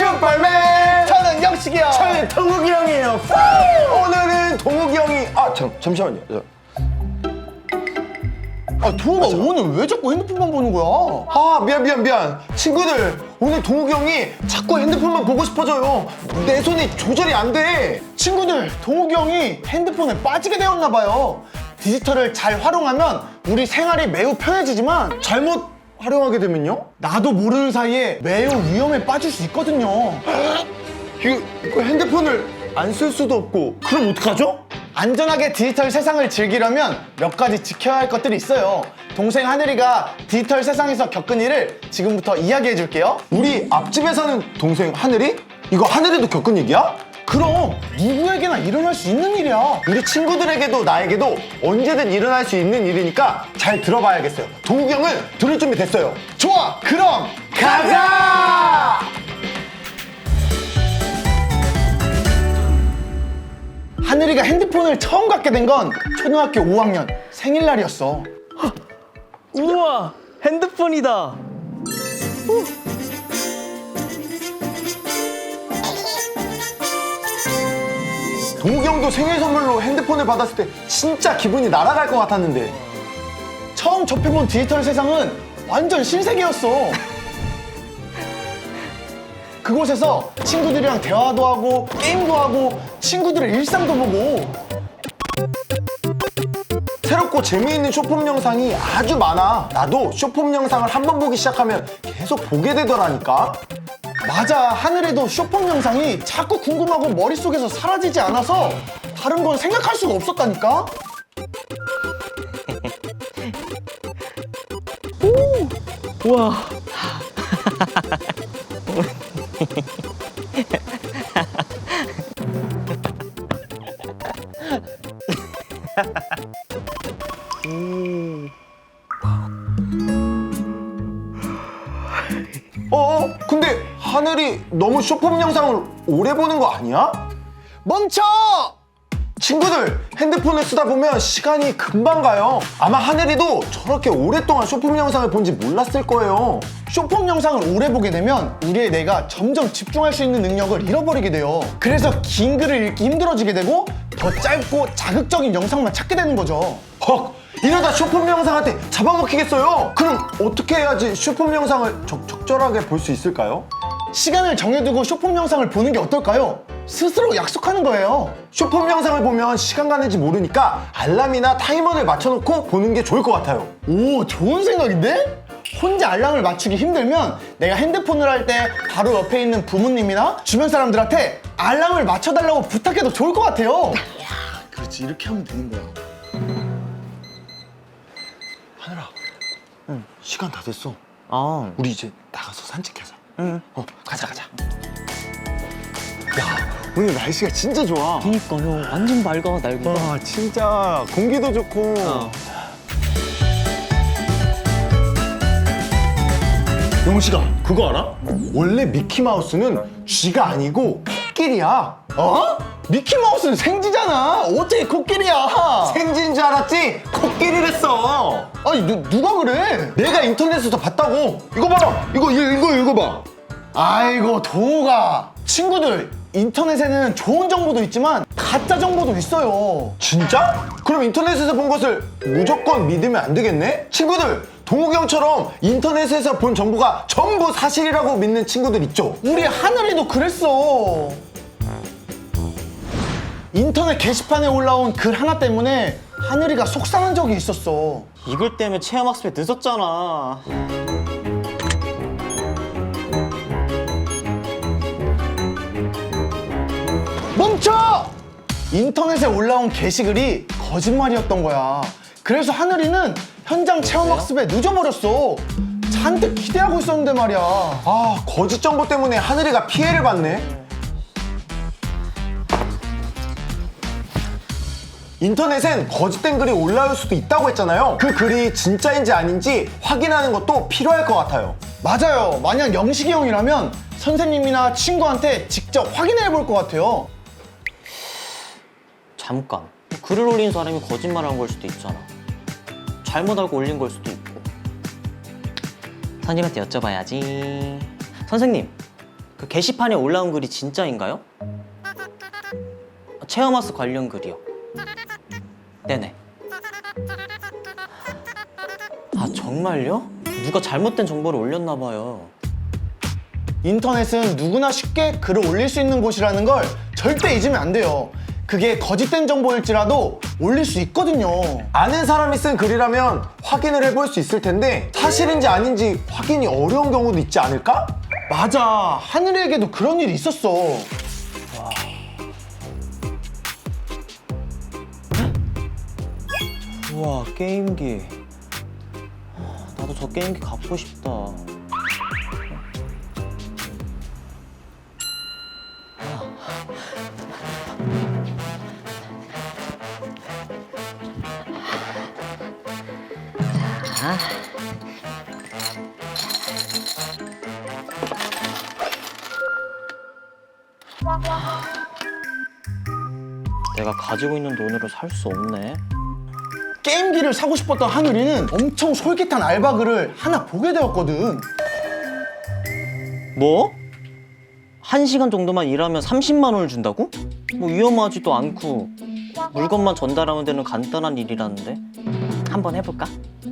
슈퍼맨! 저는 영식이 형! 저는 동욱이 형이에요. 오늘은 동욱이 형이 잠시만요. 동욱아 오늘 왜 자꾸 핸드폰만 보는 거야? 미안. 친구들, 오늘 동욱이 형이 자꾸 핸드폰만 보고 싶어져요. 내 손이 조절이 안 돼. 친구들, 동욱이 형이 핸드폰에 빠지게 되었나 봐요. 디지털을 잘 활용하면 우리 생활이 매우 편해지지만 잘못 활용하게 되면요? 나도 모르는 사이에 매우 위험에 빠질 수 있거든요. 이거 핸드폰을 안 쓸 수도 없고, 그럼 어떡하죠? 안전하게 디지털 세상을 즐기려면 몇 가지 지켜야 할 것들이 있어요. 동생 하늘이가 디지털 세상에서 겪은 일을 지금부터 이야기해 줄게요. 우리 앞집에 사는 동생 하늘이? 이거 하늘이도 겪은 얘기야? 그럼 누구에게나 일어날 수 있는 일이야. 우리 친구들에게도 나에게도 언제든 일어날 수 있는 일이니까 잘 들어봐야겠어요. 동욱이 형은 들을 준비 됐어요. 좋아, 그럼 가자! 하늘이가 핸드폰을 처음 갖게 된 건 초등학교 5학년 생일날이었어. 우와, 핸드폰이다. 동욱이 형도 생일 선물로 핸드폰을 받았을 때 진짜 기분이 날아갈 것 같았는데. 처음 접해본 디지털 세상은 완전 신세계였어. 그곳에서 친구들이랑 대화도 하고 게임도 하고 친구들의 일상도 보고 새롭고 재미있는 쇼폼 영상이 아주 많아. 나도 쇼폼 영상을 한 번 보기 시작하면 계속 보게 되더라니까. 맞아, 하늘에도 쇼폼 영상이 자꾸 궁금하고 머릿속에서 사라지지 않아서 다른 건 생각할 수가 없었다니까? 우와. 근데 하늘이 너무 쇼폼 영상을 오래 보는 거 아니야? 멈춰! 친구들, 핸드폰을 쓰다 보면 시간이 금방 가요. 아마 하늘이도 저렇게 오랫동안 쇼폼 영상을 본지 몰랐을 거예요. 쇼폼 영상을 오래 보게 되면 우리의 뇌가 점점 집중할 수 있는 능력을 잃어버리게 돼요. 그래서 긴 글을 읽기 힘들어지게 되고 더 짧고 자극적인 영상만 찾게 되는 거죠. 헉! 이러다 쇼폼 영상한테 잡아먹히겠어요. 그럼 어떻게 해야지 쇼폼 영상을 적절하게 볼 수 있을까요? 시간을 정해두고 쇼폼 영상을 보는 게 어떨까요? 스스로 약속하는 거예요. 쇼폼 영상을 보면 시간 가는지 모르니까 알람이나 타이머를 맞춰놓고 보는 게 좋을 것 같아요. 오, 좋은 생각인데? 혼자 알람을 맞추기 힘들면 내가 핸드폰을 할 때 바로 옆에 있는 부모님이나 주변 사람들한테 알람을 맞춰달라고 부탁해도 좋을 것 같아요. 그렇지, 이렇게 하면 되는 거야. 하늘아, 시간 다 됐어. 우리 이제 나가서 산책하자. 가자. 야, 오늘 날씨가 진짜 좋아. 그니까 형 완전 맑아 날개가. 와, 진짜 공기도 좋고. 영식아, 그거 알아? 원래 미키마우스는 쥐가 아니고 코끼리야. 어? 미키마우스는 생쥐잖아. 어째 코끼리야? 생쥐인 줄 알았지? 코끼리랬어. 아니 누가 그래? 내가 인터넷에서 봤다고. 이거 봐라. 이거 읽어봐. 아이고 동욱아, 친구들, 인터넷에는 좋은 정보도 있지만 가짜 정보도 있어요. 진짜? 그럼 인터넷에서 본 것을 무조건 믿으면 안 되겠네? 친구들, 동욱이 형처럼 인터넷에서 본 정보가 전부 사실이라고 믿는 친구들 있죠? 우리 하늘이도 그랬어. 인터넷 게시판에 올라온 글 하나 때문에 하늘이가 속상한 적이 있었어. 이글 때문에 체험학습에 늦었잖아. 멈춰! 인터넷에 올라온 게시글이 거짓말이었던 거야. 그래서 하늘이는 현장 체험학습에 늦어버렸어. 잔뜩 기대하고 있었는데 말이야. 거짓 정보 때문에 하늘이가 피해를 받네. 인터넷엔 거짓된 글이 올라올 수도 있다고 했잖아요. 그 글이 진짜인지 아닌지 확인하는 것도 필요할 것 같아요. 맞아요. 만약 영식이 형이라면 선생님이나 친구한테 직접 확인해 볼 것 같아요. 잠깐. 글을 올린 사람이 거짓말한 걸 수도 있잖아. 잘못 알고 올린 걸 수도 있고. 선생님한테 여쭤봐야지. 선생님, 그 게시판에 올라온 글이 진짜인가요? 체험하스 관련 글이요. 네네. 아, 정말요? 누가 잘못된 정보를 올렸나 봐요. 인터넷은 누구나 쉽게 글을 올릴 수 있는 곳이라는 걸 절대 잊으면 안 돼요. 그게 거짓된 정보일지라도 올릴 수 있거든요. 아는 사람이 쓴 글이라면 확인을 해볼 수 있을 텐데 사실인지 아닌지 확인이 어려운 경우도 있지 않을까? 맞아. 하늘에게도 그런 일이 있었어. 우와, 게임기. 나도 저 게임기 갖고 싶다. 내가 가지고 있는 돈으로 살 수 없네. 게임기를 사고 싶었던 하늘이는 엄청 솔깃한 알바 글을 하나 보게 되었거든. 뭐? 1시간 정도만 일하면 30만 원을 준다고? 뭐 위험하지도 않고 물건만 전달하면 되는 간단한 일이라는데. 한번 해볼까?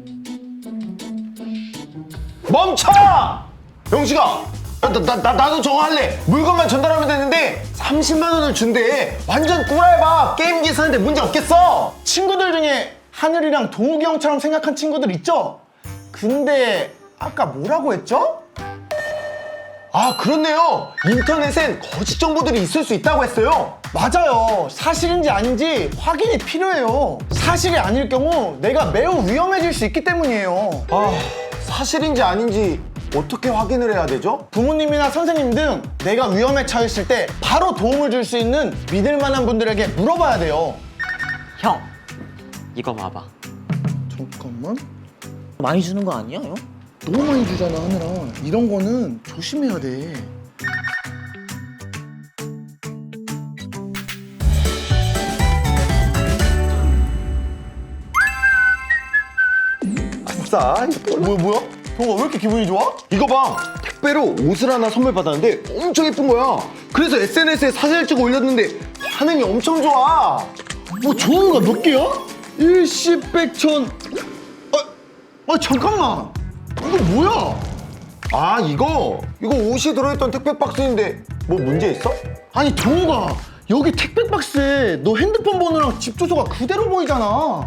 멈춰! 영식아! 나도 저거 할래! 물건만 전달하면 되는데 30만 원을 준대! 완전 꿀알바! 게임기 사는데 문제 없겠어! 친구들 중에 하늘이랑 동욱이 형처럼 생각한 친구들 있죠? 근데 아까 뭐라고 했죠? 아, 그렇네요! 인터넷엔 거짓 정보들이 있을 수 있다고 했어요! 맞아요. 사실인지 아닌지 확인이 필요해요. 사실이 아닐 경우 내가 매우 위험해질 수 있기 때문이에요. 아, 사실인지 아닌지 어떻게 확인을 해야 되죠? 부모님이나 선생님 등 내가 위험에 처했을 때 바로 도움을 줄 수 있는 믿을 만한 분들에게 물어봐야 돼요. 형, 이거 봐봐. 잠깐만. 많이 주는 거 아니야, 형? 너무 많이 주잖아, 하늘아. 이런 거는 조심해야 돼. 아싸, 뭐야? 동아 왜 이렇게 기분이 좋아? 이거 봐! 택배로 옷을 하나 선물 받았는데 엄청 예쁜 거야! 그래서 SNS에 사진을 찍어 올렸는데 반응이 엄청 좋아! 뭐 좋은 거 몇 개야? 일시백천. 잠깐만. 이거 뭐야? 아, 이거 옷이 들어있던 택배 박스인데 뭐 문제 있어? 아니 동우가 여기 택배 박스에 너 핸드폰 번호랑 집 주소가 그대로 보이잖아.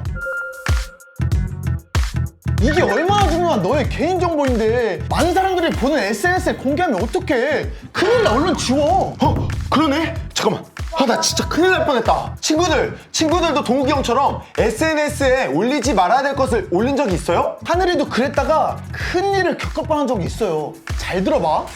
이게 얼마나 중요한 너의 개인정보인데 많은 사람들이 보는 SNS에 공개하면 어떡해. 큰일 나. 얼른 지워. 그러네? 잠깐만. 나 진짜 큰일 날 뻔했다. 친구들도 동욱이 형처럼 SNS에 올리지 말아야 될 것을 올린 적이 있어요? 하늘이도 그랬다가 큰일을 겪어보는 적이 있어요. 잘 들어봐.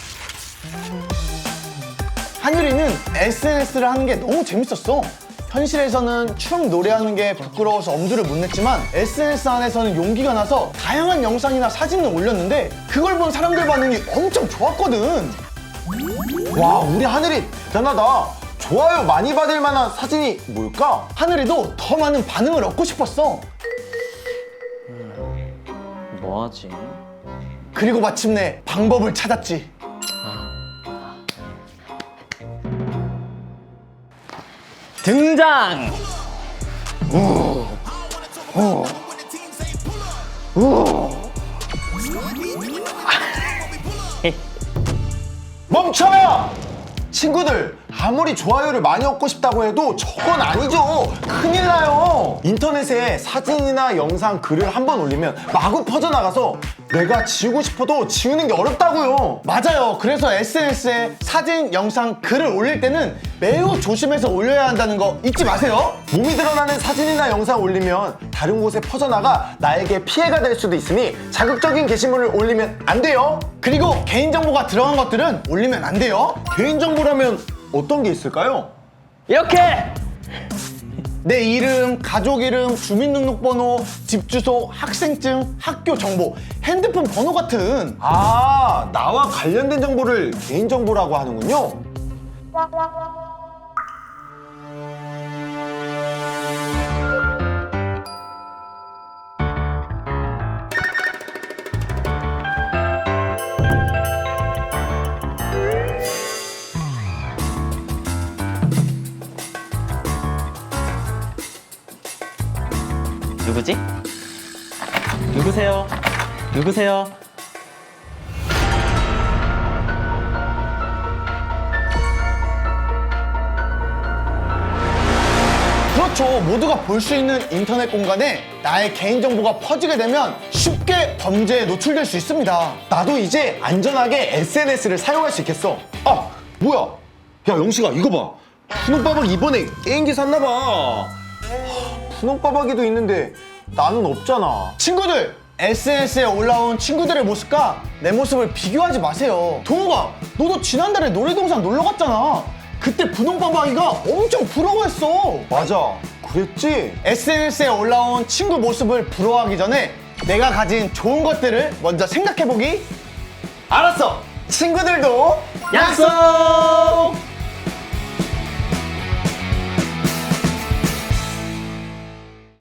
하늘이는 SNS를 하는 게 너무 재밌었어. 현실에서는 춤 노래하는 게 부끄러워서 엄두를 못 냈지만 SNS 안에서는 용기가 나서 다양한 영상이나 사진을 올렸는데 그걸 본 사람들 반응이 엄청 좋았거든. 와, 우리 하늘이 대단하다. 좋아요 많이 받을 만한 사진이 뭘까? 하늘이도 더 많은 반응을 얻고 싶었어. 뭐하지? 그리고 마침내 방법을 찾았지. 등장! 멈춰! 친구들, 아무리 좋아요를 많이 얻고 싶다고 해도 저건 아니죠. 큰일 나요. 인터넷에 사진이나 영상, 글을 한 번 올리면 마구 퍼져나가서 내가 지우고 싶어도 지우는 게 어렵다고요. 맞아요. 그래서 SNS에 사진, 영상, 글을 올릴 때는 매우 조심해서 올려야 한다는 거 잊지 마세요. 몸이 드러나는 사진이나 영상 올리면 다른 곳에 퍼져나가 나에게 피해가 될 수도 있으니 자극적인 게시물을 올리면 안 돼요. 그리고 개인정보가 들어간 것들은 올리면 안 돼요. 개인정보라면 어떤 게 있을까요? 이렇게! 내 이름, 가족 이름, 주민등록번호, 집 주소, 학생증, 학교 정보, 핸드폰 번호 같은. 아, 나와 관련된 정보를 개인정보라고 하는군요. 누구지? 누구세요? 누구세요? 그렇죠. 모두가 볼 수 있는 인터넷 공간에 나의 개인정보가 퍼지게 되면 쉽게 범죄에 노출될 수 있습니다. 나도 이제 안전하게 SNS를 사용할 수 있겠어. 아, 뭐야? 야, 영식아, 이거 봐. 푸놈빠박 이번에 게임기 샀나봐. 푸놈빠박이도 있는데 나는 없잖아. 친구들! SNS에 올라온 친구들의 모습과 내 모습을 비교하지 마세요. 동호가, 너도 지난달에 놀이동산 놀러 갔잖아. 그때 분홍빠박이가 엄청 부러워했어. 맞아, 그랬지? SNS에 올라온 친구 모습을 부러워하기 전에 내가 가진 좋은 것들을 먼저 생각해보기. 알았어! 친구들도 약속!